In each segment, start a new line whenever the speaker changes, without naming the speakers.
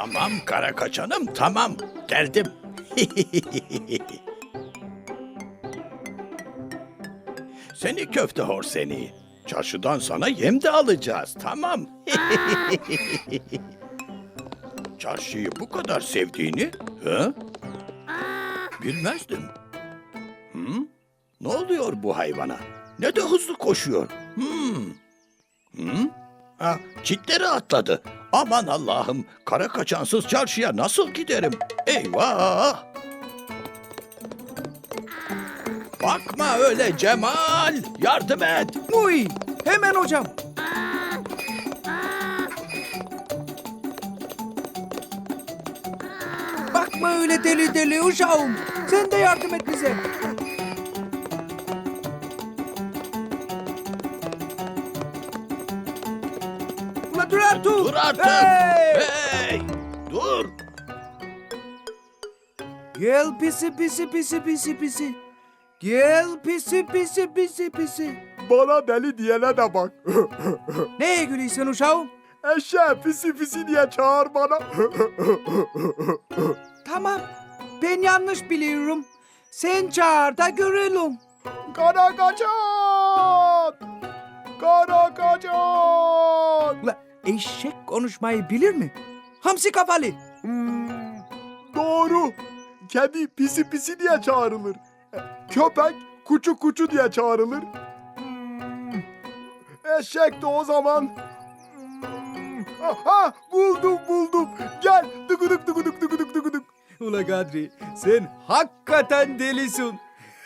Tamam kara kaçanım, tamam. Geldim. Seni köfte hor seni. Çarşıdan sana yem de alacağız, tamam. Çarşıyı bu kadar sevdiğini, hı? Bilmezdim. Hı? Ne oluyor bu hayvana? Ne de hızlı koşuyor. Hı? Ha, çitleri atladı. Aman Allah'ım, kara kaçansız çarşıya nasıl giderim? Eyvah! Bakma öyle Cemal, yardım et.
Uy, hemen hocam. Bakma öyle deli deli uşağım. Sen de yardım et bize. Ula dur artık.
Dur artık.
Hey!
Hey! Dur.
Gel pisi pisi pisi pisi pisi. Gel pisi pisi pisi pisi.
Bana deli diyene de bak.
Neye gülüyorsun uşağım?
Eşeğe pisi pisi diye çağır bana.
Tamam. Ben yanlış biliyorum. Sen çağır da görelim.
Kara kaçan! Kara kaçan!
Ula eşek konuşmayı bilir mi? Hamsi kafalı.
Doğru. Kedi pisi pisi diye çağrılır. Köpek kuçu kuçu diye çağrılır. Eşek de o zaman... Aha, buldum. Gel. Dıgıdık dıgıdık dıgıdık dıgıdık.
Ula Kadri sen hakikaten delisin.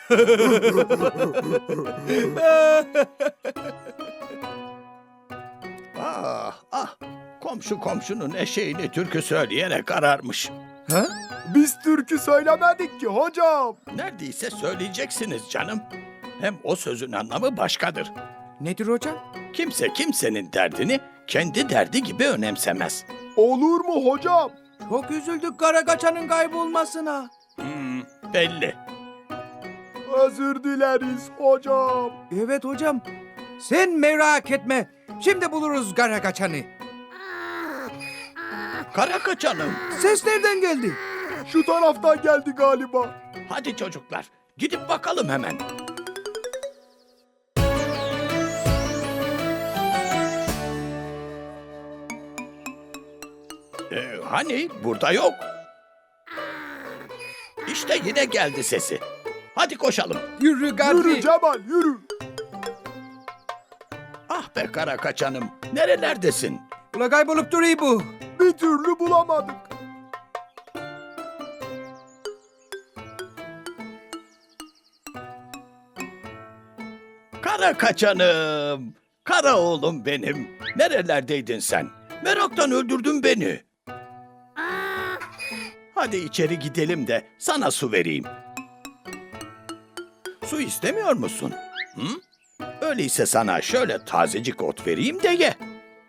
Ah, komşu komşunun eşeğini türkü söyleyerek ararmış.
Ha?
Biz türkü söylemedik ki hocam.
Neredeyse söyleyeceksiniz canım. Hem o sözün anlamı başkadır.
Nedir hocam?
Kimse kimsenin derdini kendi derdi gibi önemsemez.
Olur mu hocam?
Çok üzüldük Karakaçan'ın kaybolmasına.
Belli.
Özür dileriz hocam.
Evet hocam. Sen merak etme. Şimdi buluruz Karakaçan'ı.
Kara kaçanım.
Ses nereden geldi?
Şu taraftan geldi galiba.
Hadi çocuklar, gidip bakalım hemen. Hani burada yok. İşte yine geldi sesi. Hadi koşalım.
Yürü Kadri.
Yürü Cemal yürü.
Ah be kara kaçanım, nerelerdesin?
Ula kaybolup duruyor bu.
Bir türlü bulamadık.
Kara kaçanım, kara oğlum benim. Nerelerdeydin sen? Meraktan öldürdün beni. Hadi içeri gidelim de sana su vereyim. Su istemiyor musun? Hı? Öyleyse sana şöyle tazecik ot vereyim de ye.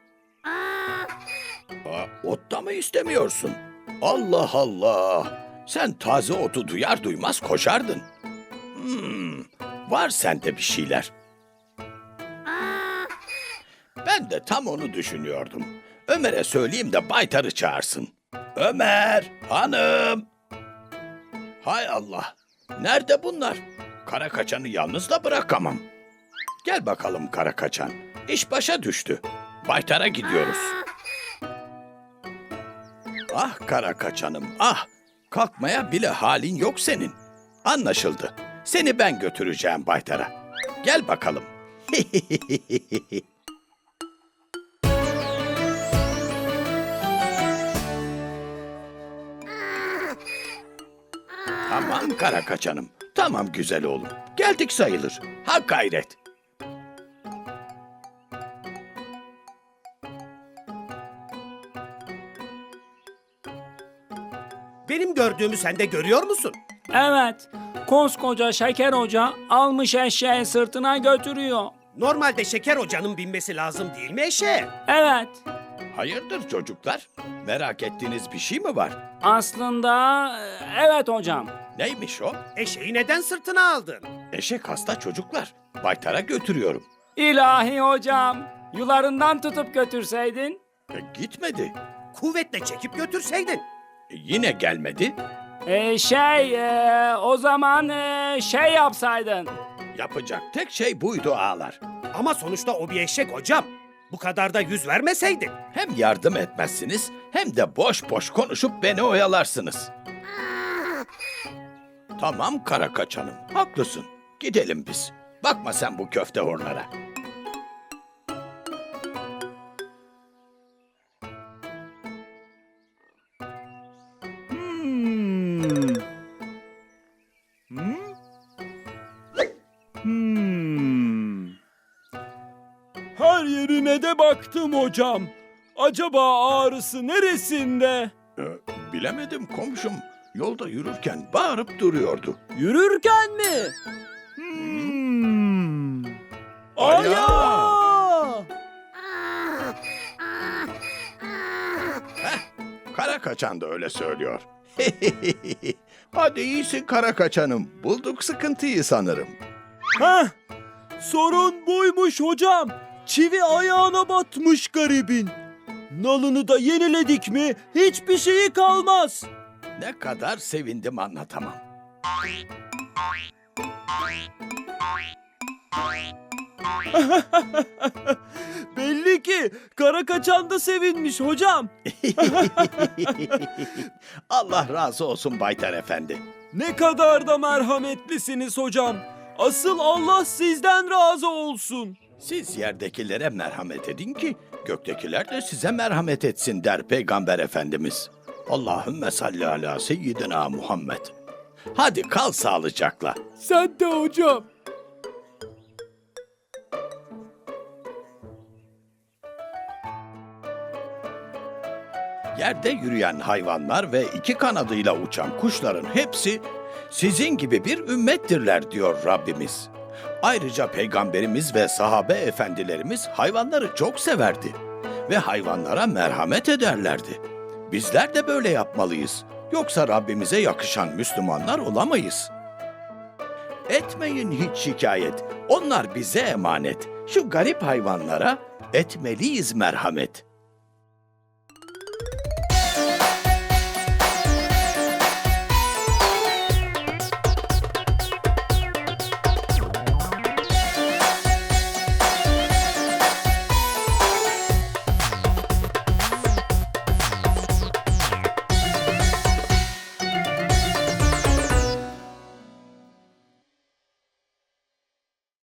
Ot da mı istemiyorsun? Allah Allah! Sen taze otu duyar duymaz koşardın. Var sende bir şeyler. Ben de tam onu düşünüyordum. Ömer'e söyleyeyim de Baytar'ı çağırsın. Ömer, hanım. Hay Allah, nerede bunlar? Kara kaçanı yalnız da bırakamam. Gel bakalım kara kaçan. İş başa düştü. Baytar'a gidiyoruz. Ah kara kaçanım, ah. Kalkmaya bile halin yok senin. Anlaşıldı. Seni ben götüreceğim Baytar'a. Gel bakalım. Tamam kara kaçanım. Tamam güzel oğlum. Geldik sayılır. Ha gayret.
Benim gördüğümü sen de görüyor musun?
Evet, koskoca Şeker Hoca almış eşeği sırtına götürüyor.
Normalde Şeker Hoca'nın binmesi lazım değil mi eşeğe?
Evet,
Hayırdır çocuklar? Merak ettiğiniz bir şey mi var?
aslında evet hocam.
Neymiş o?
Eşeği neden sırtına aldın?
Eşek hasta çocuklar. Baytar'a götürüyorum.
İlahi hocam, yularından tutup götürseydin.
Gitmedi.
kuvvetle çekip götürseydin.
Yine gelmedi.
O zaman şey yapsaydın.
Yapacak tek şey buydu ağalar.
Ama sonuçta o bir eşek hocam. Bu kadar da yüz vermeseydin.
Hem yardım etmezsiniz hem de boş boş konuşup beni oyalarsınız. Tamam kara kaçanım, haklısın. Gidelim biz. Bakma sen bu köfte horlara.
Hmm. Hmm? Hmm.
Her yerine de baktım hocam. Acaba ağrısı neresinde?
Bilemedim komşum. Yolda yürürken bağırıp duruyordu.
Yürürken mi?
Hmm.
Ayağı!
Kara kaçan da öyle söylüyor. Hadi iyisin kara kaçanım. Bulduk sıkıntıyı sanırım.
Heh, sorun buymuş hocam. Çivi ayağına batmış garibin. Nalını da yeniledik mi hiçbir şeyi kalmaz.
Ne kadar sevindim anlatamam.
Belli ki kara kaçan da sevinmiş hocam.
Allah razı olsun Baytar Efendi.
Ne kadar da merhametlisiniz hocam. Asıl Allah sizden razı olsun.
Siz yerdekilere merhamet edin ki göktekiler de size merhamet etsin der Peygamber Efendimiz. Allahümme salli ala seyyidina Muhammed. Hadi kal sağlıcakla.
Sen de hocam.
Yerde yürüyen hayvanlar ve iki kanadıyla uçan kuşların hepsi sizin gibi bir ümmettirler diyor Rabbimiz. Ayrıca Peygamberimiz ve sahabe efendilerimiz hayvanları çok severdi ve hayvanlara merhamet ederlerdi. Bizler de böyle yapmalıyız. Yoksa Rabbimize yakışan Müslümanlar olamayız. Etmeyin hiç şikayet. Onlar bize emanet. Şu garip hayvanlara etmeliyiz merhamet.